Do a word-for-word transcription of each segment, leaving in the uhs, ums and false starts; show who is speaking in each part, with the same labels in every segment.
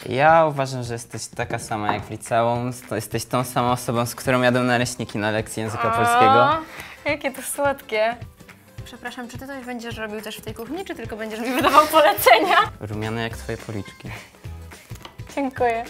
Speaker 1: Ja uważam, że jesteś taka sama jak w liceum. To jesteś tą samą osobą, z którą jadę naleśniki na lekcji języka polskiego.
Speaker 2: Jakie to słodkie. Przepraszam, czy ty coś będziesz robił też w tej kuchni, czy tylko będziesz mi wydawał polecenia?
Speaker 1: Rumiane jak twoje policzki.
Speaker 2: Dziękuję.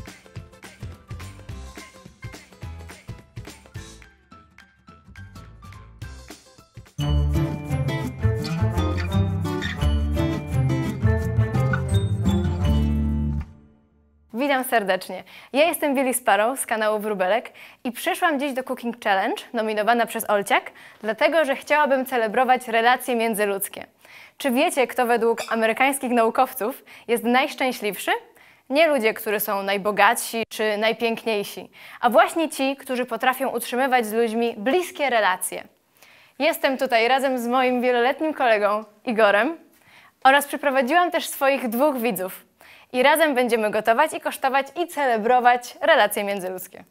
Speaker 2: Witam serdecznie. Ja jestem Billy Sparrow z kanału Wróbelek i przyszłam dziś do Cooking Challenge, nominowana przez Olciak, dlatego że chciałabym celebrować relacje międzyludzkie. Czy wiecie, kto według amerykańskich naukowców jest najszczęśliwszy? Nie ludzie, którzy są najbogatsi czy najpiękniejsi, a właśnie ci, którzy potrafią utrzymywać z ludźmi bliskie relacje. Jestem tutaj razem z moim wieloletnim kolegą Igorem oraz przyprowadziłam też swoich dwóch widzów. I razem będziemy gotować i kosztować i celebrować relacje międzyludzkie.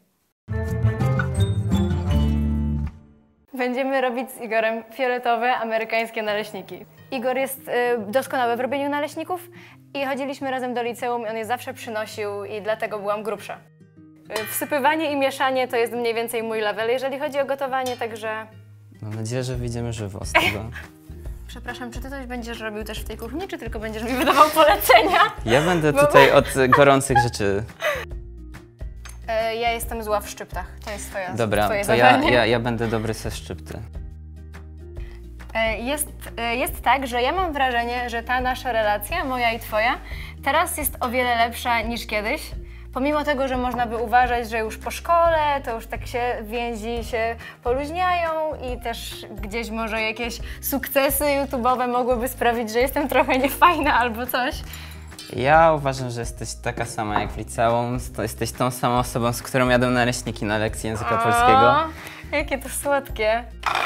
Speaker 2: Będziemy robić z Igorem fioletowe amerykańskie naleśniki. Igor jest y, doskonały w robieniu naleśników i chodziliśmy razem do liceum i on je zawsze przynosił i dlatego byłam grubsza. Y, wsypywanie i mieszanie to jest mniej więcej mój level, jeżeli chodzi o gotowanie, także...
Speaker 1: Mam nadzieję, że wyjdziemy żywo z tego.
Speaker 2: Przepraszam, czy ty coś będziesz robił też w tej kuchni, czy tylko będziesz mi wydawał polecenia?
Speaker 1: Ja będę tutaj od gorących rzeczy.
Speaker 2: E, ja jestem zła w szczyptach. To jest twoja,
Speaker 1: Dobra,
Speaker 2: twoje
Speaker 1: to ja,
Speaker 2: zadanie.
Speaker 1: ja, ja będę dobry ze szczypty.
Speaker 2: E, jest, e, jest tak, że ja mam wrażenie, że ta nasza relacja, moja i twoja, teraz jest o wiele lepsza niż kiedyś. Pomimo tego, że można by uważać, że już po szkole to już tak się więzi się poluźniają i też gdzieś może jakieś sukcesy YouTube'owe mogłyby sprawić, że jestem trochę niefajna albo coś.
Speaker 1: Ja uważam, że jesteś taka sama jak w liceum. To jesteś tą samą osobą, z którą jadę naleśniki na lekcji języka
Speaker 2: O,
Speaker 1: polskiego.
Speaker 2: jakie to słodkie.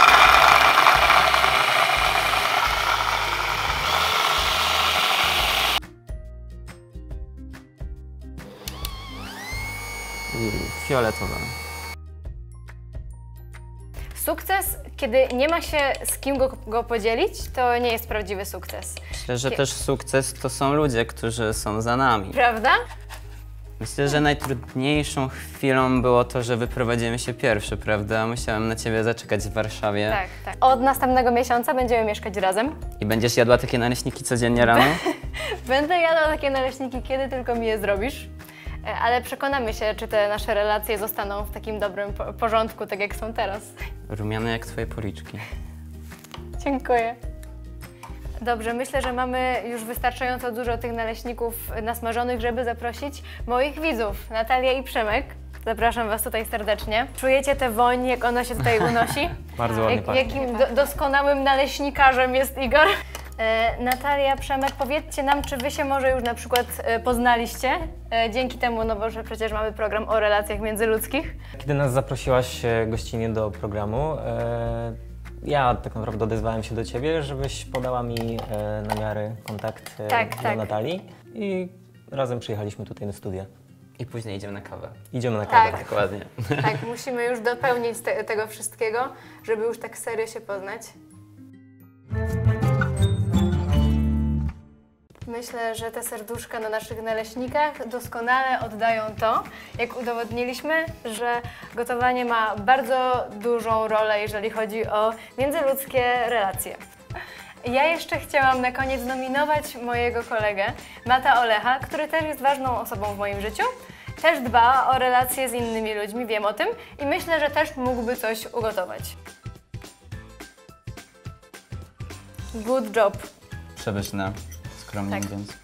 Speaker 1: Fioletowe.
Speaker 2: Sukces, kiedy nie ma się z kim go, go podzielić, to nie jest prawdziwy sukces.
Speaker 1: Myślę, że też sukces to są ludzie, którzy są za nami.
Speaker 2: Prawda?
Speaker 1: Myślę, że najtrudniejszą chwilą było to, że wyprowadzimy się pierwszy, prawda? Musiałem na ciebie zaczekać w Warszawie.
Speaker 2: Tak, tak. Od następnego miesiąca będziemy mieszkać razem.
Speaker 1: I będziesz jadła takie naleśniki codziennie rano?
Speaker 2: Będę jadła takie naleśniki, kiedy tylko mi je zrobisz. Ale przekonamy się, czy te nasze relacje zostaną w takim dobrym porządku, tak jak są teraz.
Speaker 1: Rumiane jak twoje policzki.
Speaker 2: Dziękuję. Dobrze, myślę, że mamy już wystarczająco dużo tych naleśników nasmażonych, żeby zaprosić moich widzów, Natalię i Przemek. Zapraszam was tutaj serdecznie. Czujecie tę woń, jak ona się tutaj unosi?
Speaker 1: Bardzo ładnie
Speaker 2: jak,
Speaker 1: pachnie.
Speaker 2: Jakim do, doskonałym naleśnikarzem jest Igor. E, Natalia, Przemek, powiedzcie nam, czy wy się może już na przykład e, poznaliście e, dzięki temu, no bo że przecież mamy program o relacjach międzyludzkich.
Speaker 3: Kiedy nas zaprosiłaś e, gościnnie do programu, e, ja tak naprawdę odezwałem się do ciebie, żebyś podała mi e, namiary, kontakt e,
Speaker 2: Tak,
Speaker 3: do
Speaker 2: tak.
Speaker 3: Natalii i razem przyjechaliśmy tutaj na studia.
Speaker 1: I później idziemy na kawę.
Speaker 3: Idziemy na kawę.
Speaker 2: Tak.
Speaker 1: Dokładnie.
Speaker 2: Tak, musimy już dopełnić te, tego wszystkiego, żeby już tak serio się poznać. Myślę, że te serduszka na naszych naleśnikach doskonale oddają to, jak udowodniliśmy, że gotowanie ma bardzo dużą rolę, jeżeli chodzi o międzyludzkie relacje. Ja jeszcze chciałam na koniec nominować mojego kolegę, Mata Olecha, który też jest ważną osobą w moim życiu. Też dba o relacje z innymi ludźmi, wiem o tym i myślę, że też mógłby coś ugotować. Good job.
Speaker 1: Przepyszne, skromnie
Speaker 2: Tak.
Speaker 1: mówiąc.